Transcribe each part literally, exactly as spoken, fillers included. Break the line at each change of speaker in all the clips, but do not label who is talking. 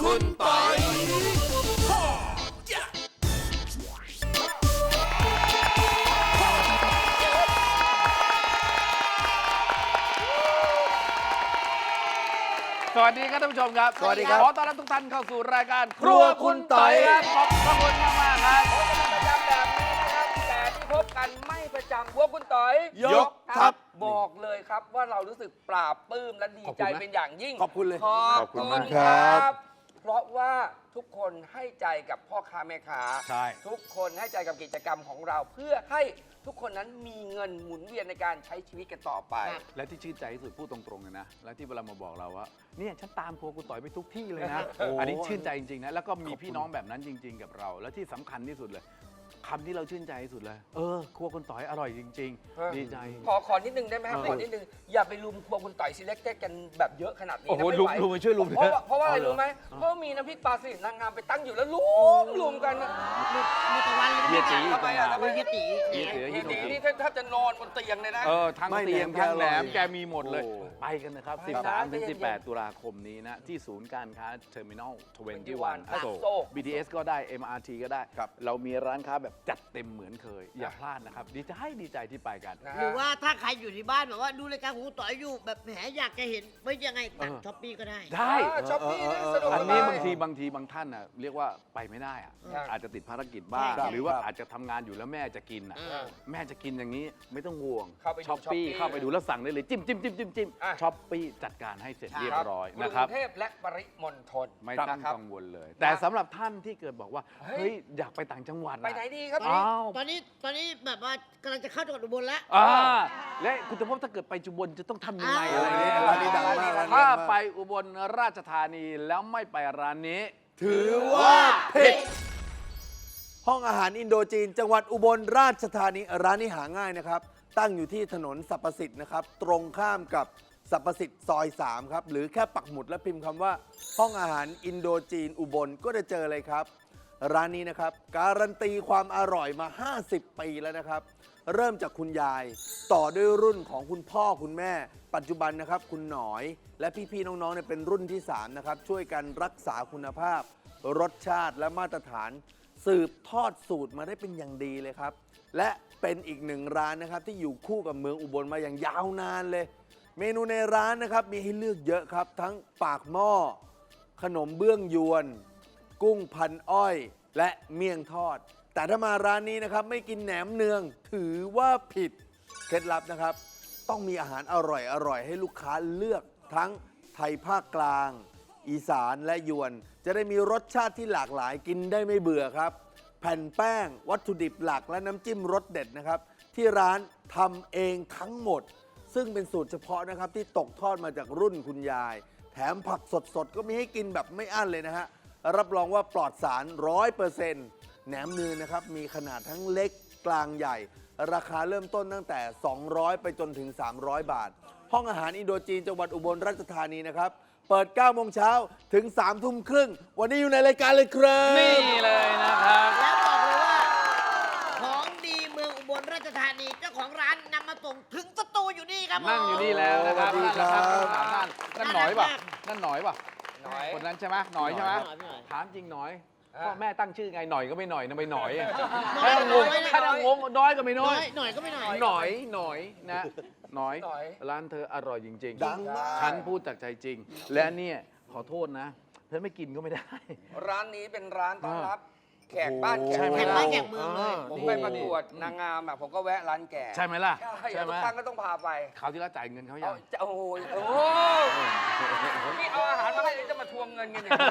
คุณปอย
สวัสดีครับท่านผู้ชมครับ
สวัสดีครับ
ขอต้อนรับทุกท่านเข้าสู่รายการ
ครัวคุณต๋อย
ครับขอบพระคุณมากมากๆครับ
ประจำแบบนี้นะครับแต่ที่พบกันไม่ประจำพวกคุณต๋อย
ยกทัพ
บอกเลยครับว่าเรารู้สึกปราบปลื้มและดีใจเป็นอย่างยิ่ง
ขอบคุณเลย
ขอบ
ขอบคุณ
คุณ
มาก
ค
ครั
รับ
บ
เพราะว่าทุกคนให้ใจกับพ่อค้าแม่ค้า
ใช่
ทุกคนให้ใจกับกิจกรรมของเรา เพื่อให้ทุกคนนั้นมีเงินหมุนเวียนในการใช้ชีวิตกันต่อไป
และที่ชื่นใจที่สุดพูดตรงๆเลยนะ และที่เวลามาบอกเราว่าเนี่ยฉันตามครัวคุณต่อยไปทุกที่เลยนะ
โอ้
อันนี้ชื่นใจจริงๆนะแล้วก็มีพี่น้องแบบนั้นจริง ๆ กับเรา และที่สำคัญที่สุดเลยคำที่เราชื่นใจที่สุดเลย เออครัวคุณต่อยอร่อยจริง
เออ
ๆ ดีใจ
ขอขอนิดนึงได้ไหมครับ
เออ
ขอนิดนึงอย่าไปลุมพวกคุณต่อยซีเล็กเต็กันแบบเยอะขนาดนี้
โอ้
นะ
โห
ไม่
ลุม
ไหว
ลุมไปช่วยลุม
เพราะว่าเพราะว่าอะไร
เอาเหรอ
รู้ไหมเพราะมีน้ำพริกปลาสลิดนางงามไปตั้งอยู่แล้วลุมลุมกันนะ
มีตะวันเลย
เฮียตี
ทำไมอ่ะทำไม
เฮียตี
เฮียตี
เฮีย
เฮี
ตี
ยตี
นี่แทบจะนอนบนเตียงเลยนะ
เออทั้ง
ไม่
เตียง
แหนม
ทั้งแหนม
แกอร่อย
แกมีหมดเลย
โอ้
ไปกันนะครับ
ไป
สิบสาม
นะ
ถึง
ใจเย็นๆ
สิบแปด ตุลาคมนี้นะ ที่ศูนย์การค้าเทอร์มินอลทเวนตี้วัน
อ
อโศ
โศ
ก
ก
บี ที เอส ก็ได้ เอ็ม อาร์ ที ก็ได้
ครับ
เรามีร้านค้าแบบจัดเต็มเหมือนเคย อย่าพลาดนะครับ ดีใจดีใจที่ไปกัน
นะ
หรือว่าถ้าใครอยู่ที่บ้านแบบว่าดูรายการของคุณต่อยอยู่แบบแหมอยากจะเห็นไม่ยังไงตัด
เออ
ช้อปปี้ก็ได้
ได้
ช้อปปี้นะสะดวก
อัน
ส
นี้
บาย
บางทีบางทีบางท่านน่ะเรียกว่าไปไม่ได้อะ
ครับ
อาจจะติดภารกิจบ้าง
ครับ
หรือว่า
ครับ
อาจจะทำงานอยู่แล้วแม่จะกินอ่ะ
เออ
แม่จะกินอย่างนี้ไม่ต้องห่วง
เข้าไปดู
ช้อปปี้
Shopee
เข้าไปดูแล้วสั่งได้เลยจิ้มจิ้มจิ้มจิ้มจิ้ม
อ่ะ
ช้อปปี้จัดการให้เสร็จเรียบร้อย
ก
นะครับ
รุงเทพและปริมณฑล
ไม่ต้อง
ครับ
กังวลเลย แต่สำหรับท่านที่เกิดบอกว่า
เฮ้ย
เฮ้ยอยากไปต่างจังหวัด
ไปไหนดีครับ
อ้าว
ตอนนี้ตอนนี้แบบว่ากำลังจะเข้าจังหวัดอุบลแล้ว
อ่าและคุณจะพบถ้าเกิดไปจุบลจะต้องทำยังไง
อ้าว
อะไรเนี่ย
ร้านนี้ดังมากร้านนี้
ถ้า
ดังมาก
ไปอุบลราชธานีแล้วไม่ไปร้านนี้
ถือว่าผิดห้องอาหารอินโดจีน จังหวัดอุบลราชธานีร้านนี้หาง่ายนะครับ ตั้งอยู่ที่ถนนสรรพสิทธิ์นะครับ ตรงข้ามกับสรรพสิทธิ์ซอยสามครับ หรือแค่ปักหมุดและพิมพ์คำว่า ห้องอาหารอินโดจีนอุบลก็จะเจอเลยครับ ร้านนี้นะครับ การันตีความอร่อยมา ห้าสิบ ปีแล้วนะครับ เริ่มจากคุณยาย ต่อด้วยรุ่นของคุณพ่อคุณแม่ ปัจจุบันนะครับ คุณหนอย และพี่ๆน้องๆเนี่ยเป็นรุ่นที่สามนะครับช่วยกันรักษาคุณภาพ รสชาติและมาตรฐาน สืบทอดสูตรมาได้เป็นอย่างดีเลยครับ และเป็นอีกหนึ่งร้านนะครับที่อยู่คู่กับเมืองอุบลมาอย่างยาวนานเลย เมนูในร้านนะครับมีให้เลือกเยอะครับ ทั้งปากหม้อ ขนมเบื้องยวน กุ้งพันอ้อย และเมี่ยงทอด แต่ถ้ามาร้านนี้นะครับไม่กินแหนมเนืองถือว่าผิดเคล็ดลับนะครับ ต้องมีอาหารอร่อยอร่อยให้ลูกค้าเลือกทั้งไทยภาคกลาง อีสานและยวน จะได้มีรสชาติที่หลากหลายกินได้ไม่เบื่อครับ แผ่นแป้ง วัตถุดิบหลักและน้ำจิ้มรสเด็ดนะครับ ที่ร้านทำเองทั้งหมด ซึ่งเป็นสูตรเฉพาะนะครับที่ตกทอดมาจากรุ่นคุณยาย แถมผักสดๆ ก็มีให้กินแบบไม่อั้นเลยนะฮะ รับรองว่าปลอดสาร ร้อยเปอร์เซ็นต์ แหนมเนืองนะครับมีขนาดทั้งเล็กกลางใหญ่ ราคาเริ่มต้นตั้งแต่ สองร้อย ไปจนถึง สามร้อย บาท ห้องอาหารอินโดจีนจังหวัดอุบลราชธานีนะครับ เปิด เก้าโมงเช้าถึง สามทุ่มครึ่ง วันนี้อยู่ในรายการเลยครับ
นี่เลยนะครับ
แล้วบอกเลยว่า ของดีเมืองอุบลราชธานีเจ้าของร้านนำมาส่งถึงสตูอยู่นี่ครับผม
นั่งอยู่นี่แล้วนะครับ
สวัสดีครับ
นั่นแหละครับนั่นนั่นหน่อยป่ะนั่นหน่อยป่ะ
หน่อย
คนนั้นใช่ไหมหน่อยใช่ไหม
หน่อยหน่อย
ถามจริงหน่อย
อ่า
พ่อแม่ตั้งชื่อไงหน่อยก็ไม่หน่อยนะไม่หน่อย
น้อ
ถ้าย งง
น้อย
ถ้างงน้อยก็ไม่น้
น้
อ
อย ยหน่อยก็ไม่หน่อย
หน่อยหน่อยนะหน่อย
หน่อย
ร้านเธออร่อยจริง
ดังมาก
ฉันพูดจากใจจริง และเนี่ยขอโทษนะเธอไม่กินก็ไม่ได้
ร้านนี้เป็นร้านต้อนรับแขกบ้านแข
ใช่
ก
ไหม
แขก
เมื
บ้า
อน ง
แขกเมืองเลย
ผมไปประกวดนางงามอ่ะผมก็แวะร้านแก
ใช่ไหมล่ะ
ใช่
ใช่ไหม
ทุกครั้งก็ต้องพาไป
คราวที่แล้วจ่ายเงินเขายั
เอา
ง
จะโอ้โหโอ้โหนี่เอาอาหารมาให้แล้วจะมาทวงเงินกันอย่างนี้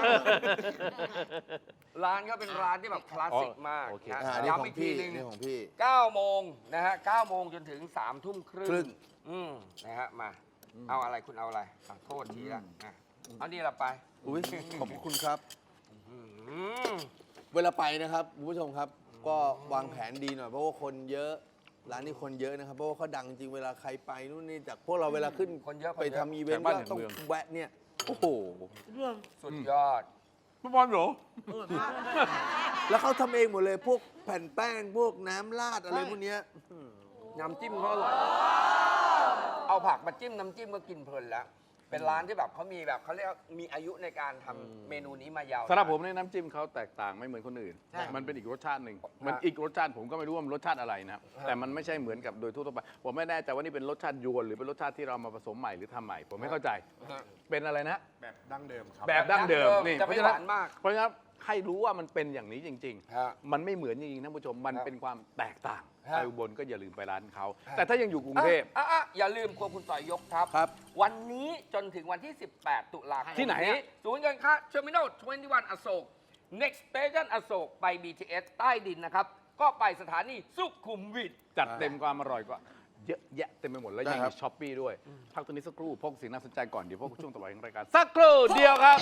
ร้านก็เป็นร้านที่แบบคลาสสิกมาก
โอเค
นะ
อ่านี่ข
ย้ำ
อง
อีกที
พี่
หนึง
นี่ของพี่
เก้าโมงนะฮะเก้าโมงจนถึงสามทุ่มครึ่ง
ครึ่ง
อืมนะฮะมา เอาอะไรคุณเอาอะไรอ่ะโทษทีละอ่ะเอานี่ละไป
อุ้ยขอบคุณครับ
อืม
เวลาไปนะครับคุณผู้ชมครับ ก็วางแผนดีหน่อยเพราะว่าคนเยอะ ร้านนี้คนเยอะนะครับเพราะว่าเขาดังจริงเวลาใครไปนู่นนี่จากพวกเราเวลาขึ้น
คนเยอะ
ไปทำอีเวนต์
แต่บ้าน
ก็ต้อง
แห่งเมือง
แวะเนี่ยโอ้โห
สุดยอด
พี่บอลเหรอ
แล้วเขาทำเองหมดเลยพวกแผ่นแป้งพวกน้ำราดอะไรพวกเนี้ย
น้ำจิ้มเขาอร่อย เอาผักมาจิ้มน้ำจิ้มก็กินเพลินแล้วเป็นร้านที่แบบเขามีแบบเขาเรียกว่ามีอายุในการทำเมนูนี้มายาว
สำหรับผมเนี่ยน้ำจิ้มเขาแตกต่างไม่เหมือนคนอื่น
ใช่
มันเป็นอีกรสชาติหนึ่งมันอีกรสชาติผมก็ไม่รู้ว่ามันรสชาติอะไรนะแต่มันไม่ใช่เหมือนกับโดยทั่วไปผมไม่แน่ใจว่านี่เป็นรสชาติยวนหรือเป็นรสชาติที่เรามาผสมใหม่หรือทำใหม่ผมไม่เข้าใจ เป็นอะไรนะ
แบบดั้งเดิมครับ
แบบดั้งเดิมนี่
จะ
เพ
ไม่
ราะฉะ
ห
นั้น
วานมาก
เพราะฉะนั้นให้รู้ว่ามันเป็นอย่างนี้จริง
ฮะ
ๆ มันไม่เหมือนจริงๆท่านผู้ชมมัน
ครับ
เป็นความแตกต่าง
ฮะ
ไปอุบลก็อย่าลืมไปร้านเขา
ฮะ
แต่ถ้ายังอยู่กรุงเทพ
อ่ะอ่ะอย่าลืมครัวคุณต่อยยกทัพ
ครับ
วันนี้จนถึงวันที่ สิบแปด ตุลาคม
ที่ไหนอะ
ศูนย์การค้าเทอร์มินอลยี่สิบเอ็ด อโศก next station อโศกไป บี ที เอส ใต้ดินนะครับ ก็ไปสถานีสุขุมวิท
จัดเต็มความอร่อยก็เยอะแยะเต็มไปหมดแล้ว
ได้
ยัง
ครั
มี
บ
ช้อปปี้ด้วยพักตัวนี้สักครู่พบสิ่งน่าสนใจก่อนเดี๋ยวพบกับช่วงต่อไปของรายการสักครู่เดียวครับ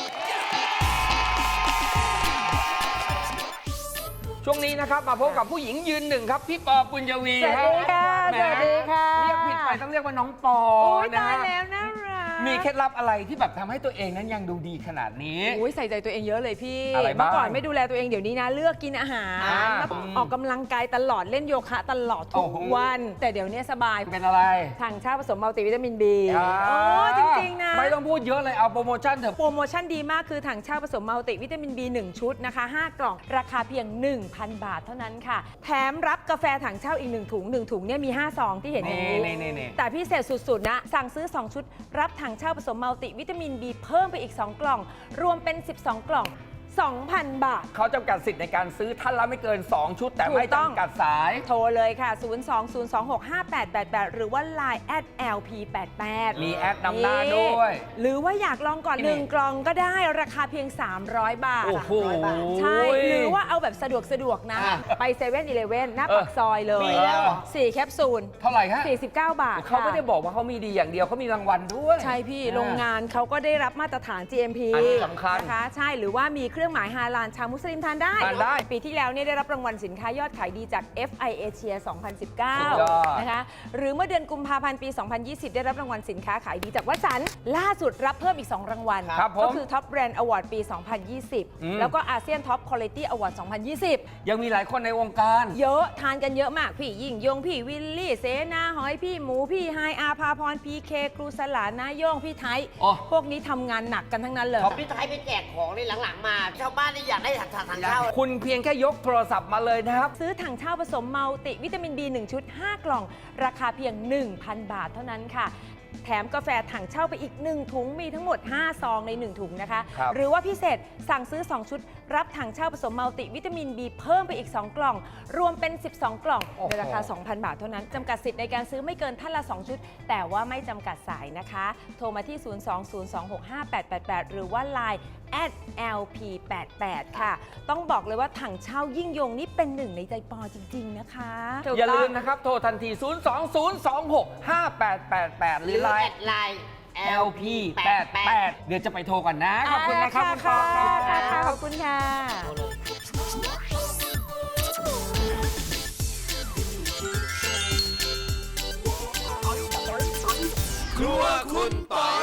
ช่วงนี้นะครับ มาพบกับผู้หญิงยืนหนึ่งครับ พี่ปอปุญญวี
สวัสดีค่ะ
แหม
สวัสดีค่ะ
เรียกผิดไปต้องเรียกว่าน้องปอ
โอ้ย
นะ
ตาย
ฮะ
แล้วน่ารัก
มีเคล็ดลับอะไรที่แบบทำให้ตัวเองนั้นยังดูดีขนาดนี้
โอ้ยใส่ใจตัวเองเยอะเลยพี่
อะไรบ้าง
เมื่อก่อนไม่ดูแลตัวเองเดี๋ยวนี้นะ เลือกกินอาหาร
อ่า
แล้วออกกำลังกายตลอดเล่นโยคะตลอดทุ
โอ้
ก
โห
วัน แต่เดี๋ยวนี้สบาย
เป็นอะไร
ถังเช่าผสมมัลติวิตามินบี
อ่า
โอ้จริง ๆ นะ
ไม่ต้องพูดเยอะเลยเอาโปรโมชั่นเถอะ
โปรโมชั่นดีมากคือถังเช่าผสมมัลติวิตามิน บี หนึ่ง ชุดนะคะ ห้า กล่อง ราคาเพียง หนึ่งพัน บาทเท่านั้นค่ะ แถมรับกาแฟถังเช่าอีก หนึ่ง ถุง หนึ่ง ถุงเนี่ยมี ห้า ซองที่เห็นอย่างนี้
นี่นี่นี่
แต่พิเศษสุด ๆ นะ สั่งซื้อ สอง ชุด รับถังเช่าผสมมัลติวิตามิน บี เพิ่มไปอีก สอง กล่อง รวมเป็น สิบสอง กล่อง สองพัน บาท
เขาจำกัดสิทธิ์ในการซื้อท่านละไม่เกิน สอง ชุด แต่
ถูก
ไม่
ต้อง
จำกัดสาย
โทรเลยค่ะ ศูนย์ สอง ศูนย์ สอง หก ห้า แปด แปด แปด หรือว่า ไลน์ แอท แอล พี แปด แปด
มีแอดนำหน้าด้วย
หรือว่าอยากลองก่อน
นี่
หนึ่ง กล่องก็ได้ราคาเพียง สามร้อย บาท
โอ้โห
ใช่ หรือว่าเอาแบบสะดวกสะดวกนะ
อ่ะ
ไปเซเว่นอีเลฟเว่นหน้า
เออ
ปากซอยเลย
มีแล้วเหรอ
สี่แคปซูล
เท่าไหร่ฮะ
สี่สิบเก้า บาท
เขาไม่ได้
ค่ะ
บอกว่าเขามีดีอย่างเดียวเขามีรางวัลด้วย
ใช่พี่
อ่า
โรงงานเขาก็ได้รับมาตรฐาน จี เอ็ม พี
อันนี้สำคัญ
นะคะใช่หรือว่ามีเครื่องหมายฮาลาลชาวมุสลิมทานได้
ทานได้
ปีที่แล้วเนี่ยได้รับรางวัลสินค้ายอดขายดีจาก เอฟ ไอ Asia สองพันสิบเก้า
สุดยอด
นะคะหรือเมื่อเดือนกุมภาพันธ์ปี สองพันยี่สิบ ได้รับรางวัลสินค้าขายดีจากวัสันต์ล่าสุดรับเพิ่มอีก สอง รางวัล
ครับผม
ก็คือ Top Brand Award ปี สองพันยี่สิบ
อืม
แล้วก็ อาเซียน Top Quality Award สองพันยี่สิบ
ยังมีหลายคนในวงการ
เยอะทานกันเยอะมาก พี่ยิ่งยง พี่วิลลี่ เสนาหอย พี่หมู พี่ไฮอาภาพร พีเคครูสลานาโย่ง พี่ไทย
อ๋อ
พวกนี้ทำงานหนักกันทั้งนั้นเลย
พี่ไทยไปแจกของในหลังๆ มาชาวบ้านนี่อยากได้ถังถังเช่า
คุณเพียงแค่ยกโทรศัพท์มาเลยนะครับ
ซื้อถังเช่าผสมมัลติวิตามิน บี หนึ่ง ชุด ห้า กล่อง ราคาเพียง หนึ่งพัน บาทเท่านั้นค่ะ แถมกาแฟถังเช่าไปอีก หนึ่ง ถุง มีทั้งหมด ห้า ซองใน หนึ่ง ถุงนะคะ
ครับ
หรือว่าพิเศษสั่งซื้อ สอง ชุด รับถังเช่าผสมมัลติวิตามิน บี เพิ่มไปอีก สอง กล่อง รวมเป็น สิบสอง กล่องในราคา สองพัน บาทเท่านั้น จำกัดสิทธิ์ในการซื้อไม่เกินท่านละ สอง ชุด แต่ว่าไม่จำกัดสายนะคะ โทรมาที่ ศูนย์ สอง ศูนย์ สอง หก ห้า แปด แปด แปด หรือว่า ไลน์ แอท แอล พี แปด แปด ค่ะ ต้องบอกเลยว่าถังเช่ายิ่งยงนี่เป็นหนึ่งในใจปอจริง ๆ นะคะถูก
อย่า
ต้
ลื
ง
มนะครับ โทรทันที ศูนย์ สอง ศูนย์ สอง หก ห้า แปด แปด แปด ห
ห
รื
รือ อ
ไล
แอ
น์
ดไลน์
แอล พี แปด แปด เดี๋ยวจะไปโทรก่อนนะ ขอบคุณนะครับคุณปอ
ค่ะ
ค
ค่ะ
รั
ค่ะ
บ
ขอบคุณค่ะ
ครัวคุณต่อย